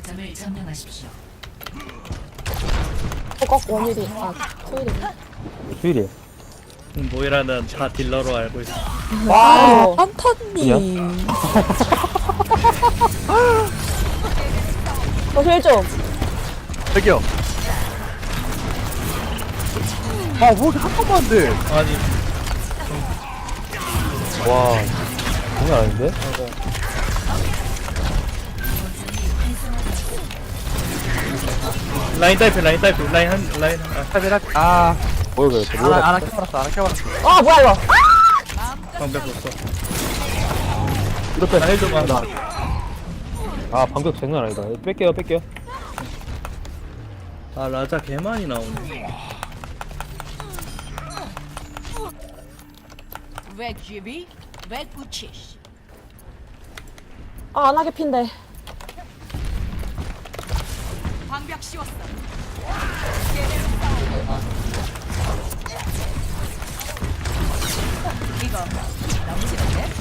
거점을 점령하십시오. 꼭 원일이 토일이. 주일이에요. 모이라는 다 딜러로 알고 있어. 와 한탄님. 힐 좀. 저기요. 아, 뭐 이렇게 한 번만 안 돼. 아니 와, 장난 아닌데? 라인 타이프 라인 타이프 라인 한 라인 아, 뭐야, 그랬어? 안 뭐야? 아껴버렸어, 안 아껴버렸어. 아 뭐야 이거. 방벽 없어. 이렇게 라인 좀 한다. 아, 방벽 장난 아니다. 뺄게요, 뺄게요. 아 라자 개 많이 나오네. 왜 GB? 왜 구치시? 아 안하게 핀데. 방벽 씌웠어. 이거 너무 싫은데?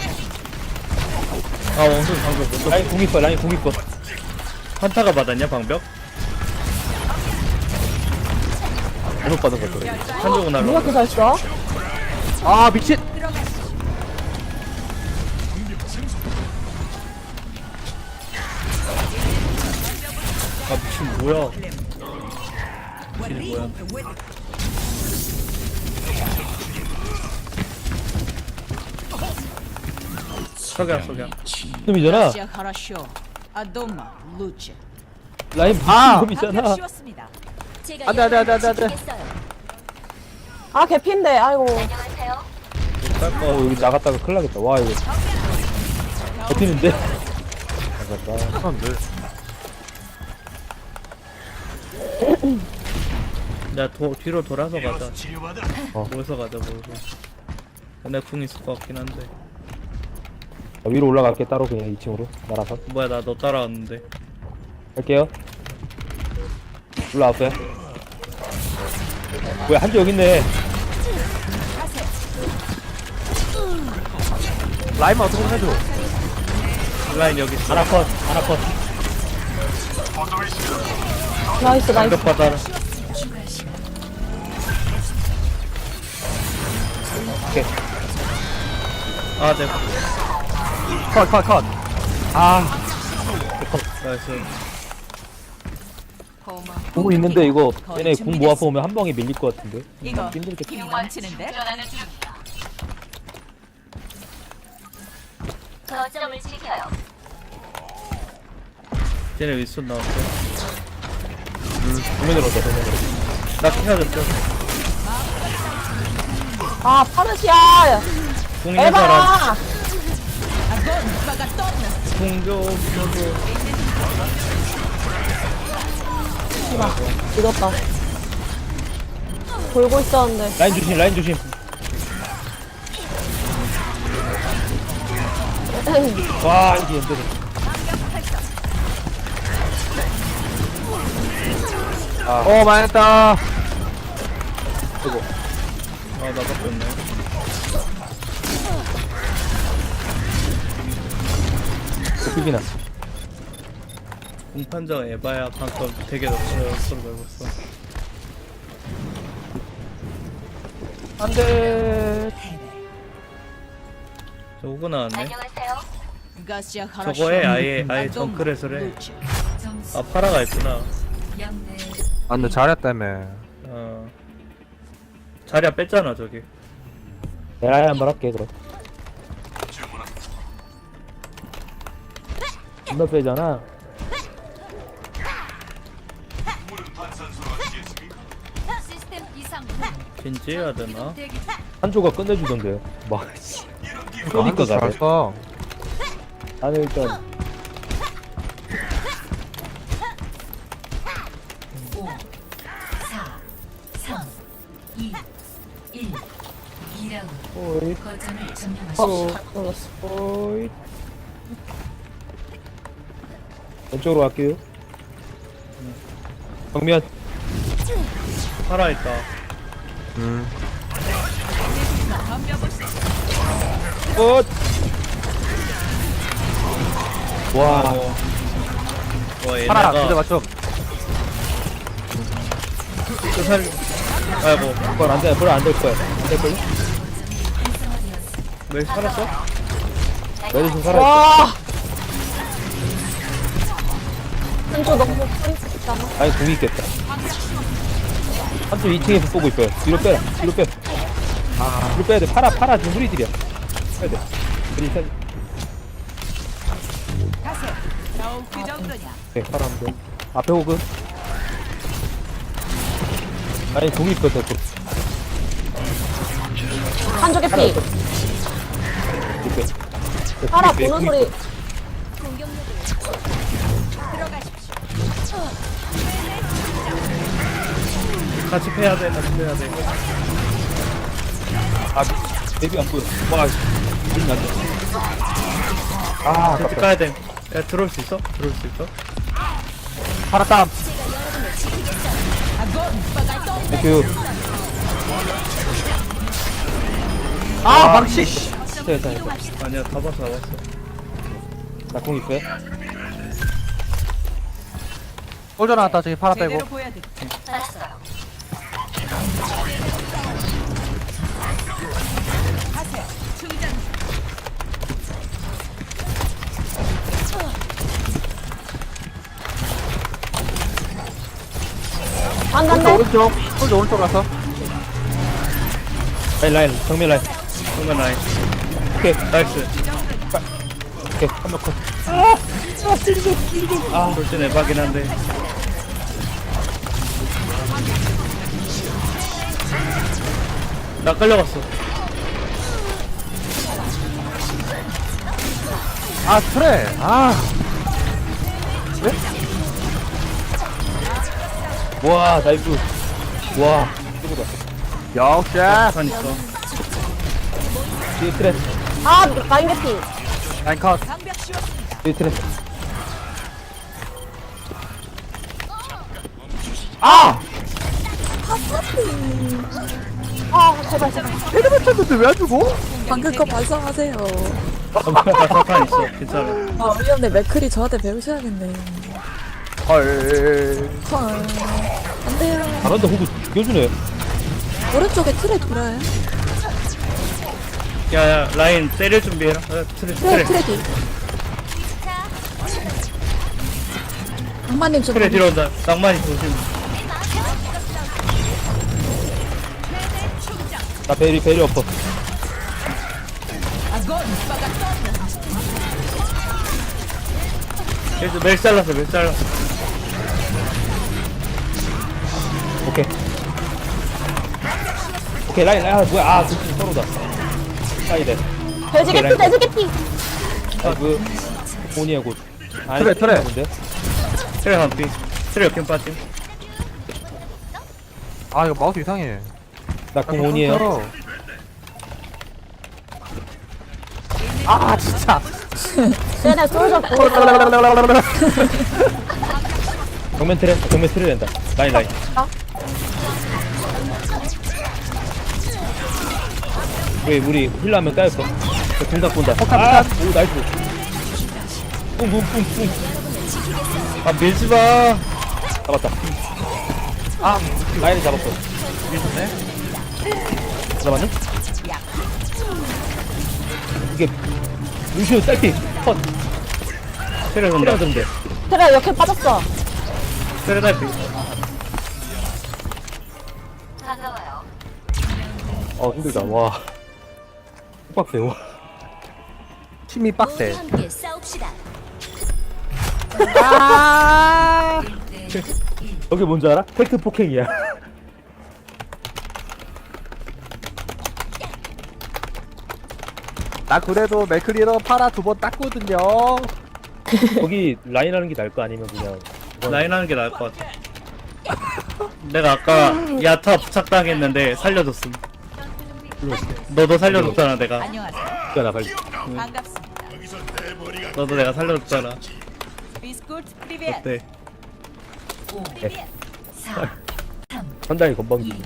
아 원숭이 방벽 못 썼어. 라인 공 있어, 라인 공 있어. 한타가 받았냐 방벽? 잘못 받은 것 같아. 한쪽은 누가 날라. 그잘 써? 아, 미친. 아 미친 뭐야? 미친 뭐야? 석양. 놈이잖아. 시아 하라쇼. 아도마 루치. 라인 아! 놈이잖아. 방벽 씌웠습니다. 안 돼, 안 돼, 안 돼, 안 돼, 안 돼. 아 개핀데. 아이고. 여기 나갔다가 큰일 나겠다. 와, 이거. 버티는데? 나갔다. 안 돼. 야 뒤로 돌아서 가자. 어. 모여서 가자 모여서. 내 궁 있을 것 같긴 한데. 위로 올라갈게, 따로 그냥 2층으로. 날아서. 뭐야 나 너 따라왔는데. 갈게요. 올라왔어요. 뭐야, 한지 여기 있네. 라임만 어떻게 좀 해줘. 라인 여기 있어. 아나컷, 아나컷. 나이스 나이스. 방벽 받아라. 오케이. 아 네. 컷. 아, 나이스. 고마. 궁 있는데 이거 얘네 궁 모아서 오면 한 방에 밀릴 것 같은데. 이거 힘들겠다. 넘치는데? 거점을 지켜요. 쟤네 윗손 나왔어. 정면으로 왔다, 정면으로. 나 키워줬어. 아 파르시아. 궁 있는 사람. 에바. 궁좀 늦었다. 돌고 있었는데. 라인 조심, 라인 조심. 와, 이게 힘들어. 망했다. 아 나밖에 없네. 비기나. 공판정 에바야 방금 되게 높아요. 서로 말고 있어. 안 돼. 저 호구 나왔네. 안녕하세요. 가시아 하라쇼. 저거에 아예 아도마 정크레서 해. 루치. 점수 아 파라가 있구나. 0대 안 돼, 잘했다며. 어. 자리야 뺐잖아 저기. 내가 한번 할게, 그럼. 존나 빼잖아. 시스템 이상. 겐지해야 되나? 한조가 끝내주던데요. 막, 씨. 한도 그러니까 잘 가네. 써. 나는 일단, 5, 4, 3, 2, 1. 2라운드. 오이, 거점을 점령하십시오. 놀랐어. 오이. 왼쪽으로 갈게요. 정면. 파라 있다. 끝! 와, 파라 얘네가 그대가 좀 그 살. 아이고 그건 안 돼. 그건 안될 거야. 안될 걸? 왜 살았어? 메르시 살아. 와. 한쪽 너무 프리스잖아. 아니 공이 있겠다. 한쪽 2층에서 쏘고 있어요. 뒤로 빼라. 뒤로 빼. 뒤로 빼야 돼. 파라 지금 우리들이야. 빼야 돼. 일단. 오케이 파라 한 대. 앞에 호그. 아니 공이 있거든. 한쪽에 피. 이렇게. 파라 보는 소리. 같이 패야 돼. 같이 패야 돼. 아 데뷔 안 보여. 와 눈이 안 돼. 아 같이 아깝다. 가야 돼. 야 들어올 수 있어? 들어올 수 있어? 파라 땀 땡큐. 아 방치 됐다. 아니야 다 봤어 다 봤어. 나공 있어요? 꼴져 나왔다 저기 파라 빼고 알았어요. 안 꼴져 간대. 오른쪽 꼴져 오른쪽 가서 라인 정면 라인. 정면 라인. 오케이 나이스. 오케이 한명 컷. 돌진 에바긴 한데. 나 끌려갔어. 아 그래 아 와 나이스. 와 최고다. 역시 산 있어. 뒤에 트랩. 아 라인 개피. 라인컷 뒤에 트랩. 아 제발 제발. 헤르메 쳤는데 왜 안 주고? 방금 거 반성하세요. 나 사탄 있어. 괜찮아. 아, 우리 형네 맥클이 저한테 배우셔야겠네. 헐 헐. 안 돼요. 잘한다 호구 죽여주네. 오른쪽에 틀에 돌아요. 야야 라인 때릴 준비해라. 트레 트레, 트레디. 악마님 좀. 트레 뒤로 온다. 낭만이 조심. 나 베리 엎어. 그래서 멜 잘랐어. 오케이. 오케이 라인 아 뭐야 아 둘이 서로다. 사이드. 돼지 개피 돼지 개피. 아그 본이야 곧. 아니, 트랩. 근데 트레 한피. 트레 역행 빠짐. 아 이거 마우스 이상해 나 공원이에요. 아 진짜 쟤네 솔져 보고. 정면 트랩 된다. 라인. 우리 힐러 한명 까였어. 둘다 본다. 아, 오 나이스. 뿡. 아 밀지 마. 잡았다. 아 라인을 잡았어. 잡았니? 이게 루시오 딸피 컷. 트레 온다. 때려던데. 그래 역행 빠졌어. 트레 달피. 반가워요. 힘들다. 와. 빡세. 와. 팀이 빡세 함께 싸웁시다. 아. 저게 뭔지 알아? 팩트 폭행이야. 나 그래도 맥클리로 파라 2번 땄거든요 거기 라인 하는 게 나을 거 아니면 그냥 라인 하는 게 나을 것 같아. 내가 아까 야타 부착당했는데 살려줬음. 너도 살려줬잖아 내가. 그니까 나 빨리. 너도 내가 살려줬잖아. 어때? 5 네. 4 선장이 건방지. 1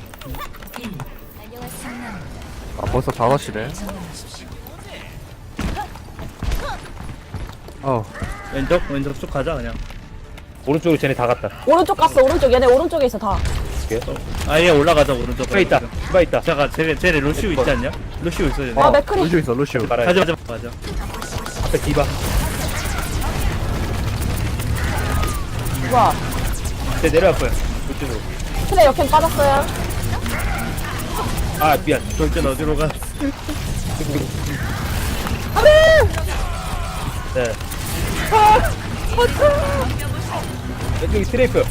아 벌써 5시네 점령하십시오. 어 왼쪽 쭉 가자 그냥. 오른쪽으로 쟤네 다 갔다. 오른쪽 갔어 오른쪽 얘네 오른쪽에 있어 다. 아예 올라가자 오른쪽. 디바 있다. 디바 있다. 잠깐 쟤네 루시우 있지 않냐? 루시우 있어 쟤네. 아 맥크리. 루시오 있어 루시오. 말아야 가자 가자 가자. 앞에 디바. 뭐야? 쟤 내려왔어요. 이쪽으로. 트레 역행 빠졌어요. 아 미안. 돌진 어디로 가? 네. 왼쪽이 트레이프.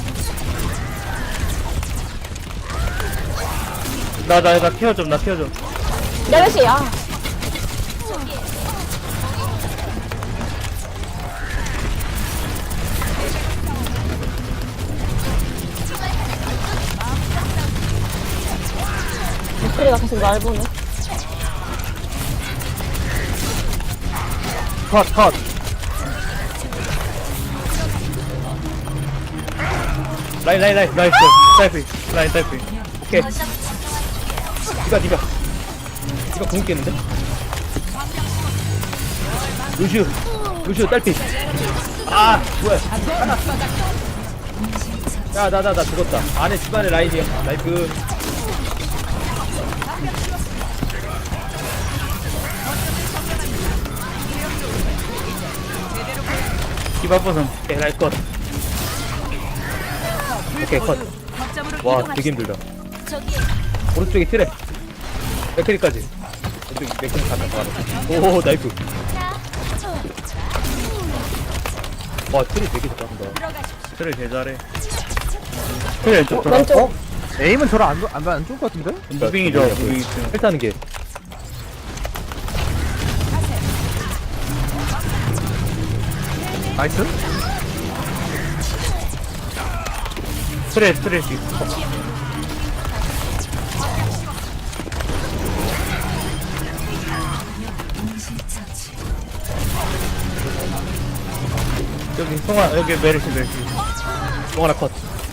나 케어 좀 나 케어 좀. 메르시 아. 맥크리가 계속 날 보네. 컷. 라인. 나이스. 딸피. 라인 딸피. 오케이. 디바. 디바 공 있겠는데? 루시오 딸피. 아 뭐야? 나 죽었다. 안에 집안에 라인이야. 나이스. 디바 버선. 오케이 라인 컷. 오케이 컷. 와 되게 힘들다. 오른쪽에 트랩. 맥크리까지. 왼쪽 맥크리 갔다. 오 나이스. 와 트랩 되게 잘한다. 그래 개 잘해. 그래 왼쪽 돌아. 왼쪽. 에임은 저랑 안 좋을 것 같은데? 무빙이 좋아 무빙이 있으면. 헬타는 게. 나이스. 스트레스. 여기 송아 여기 메르시. 공 하나 컷.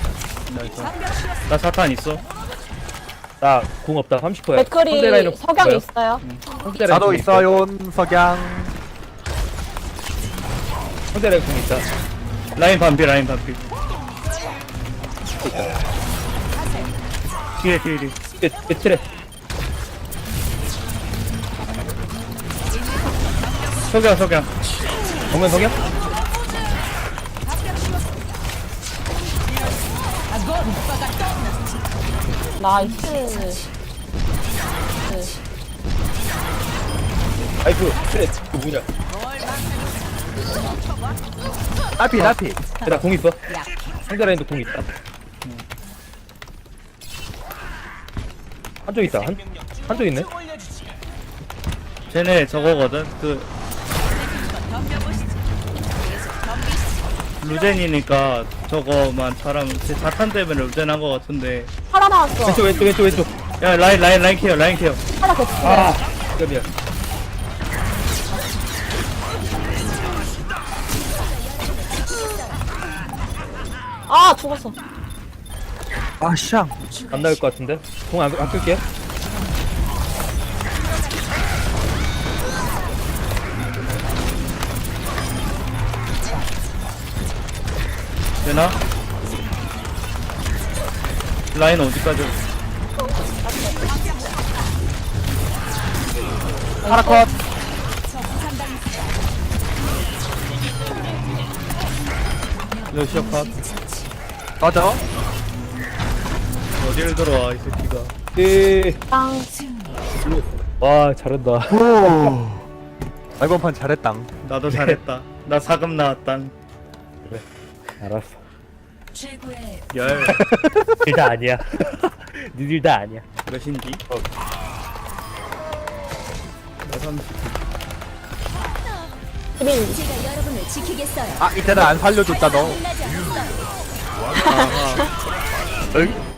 나 사탄 있어. 나 공 없다. 30%야. 맥크리 석양 있어요. 나도 있어요 석양. 상대 라인 공 있다. 라인 반피. 뒤에. 트랩. 석양. 정면 성향? 나이스. 아이프 트랩. 그 뭐냐? 딸피. 나공 있어. 상대 라인도 공 있다. 한쪽 있다. 한쪽 있네. 쟤네 저거거든. 그 루젠이니까 저거만 사람 제 자탄 때문에 루젠 한거 같은데. 하나 나왔어. 왼쪽. 야 라인 케어. 하나 개치. 아, 미안. 아 죽었어. 아 샹. 안 나올 것 같은데. 공 안 끌게. 되나? 라인 어디까지? 하나 컷. 러시아 컷. 맞아. 어디를 들어와 이 새끼가. 예. 땅. 와, 잘한다. 오. 이번 판 잘했당. 나도 잘했다. 나 사금 나왔당. 알았어. 최고의 열. 니들 다 아니야. 니들 다 아니야. 몇인지? 나 30. 수빈. 제가 여러분을 지키겠어요. 아 이때는 안 살려줬다 너. 끝나지 않았어요. 응?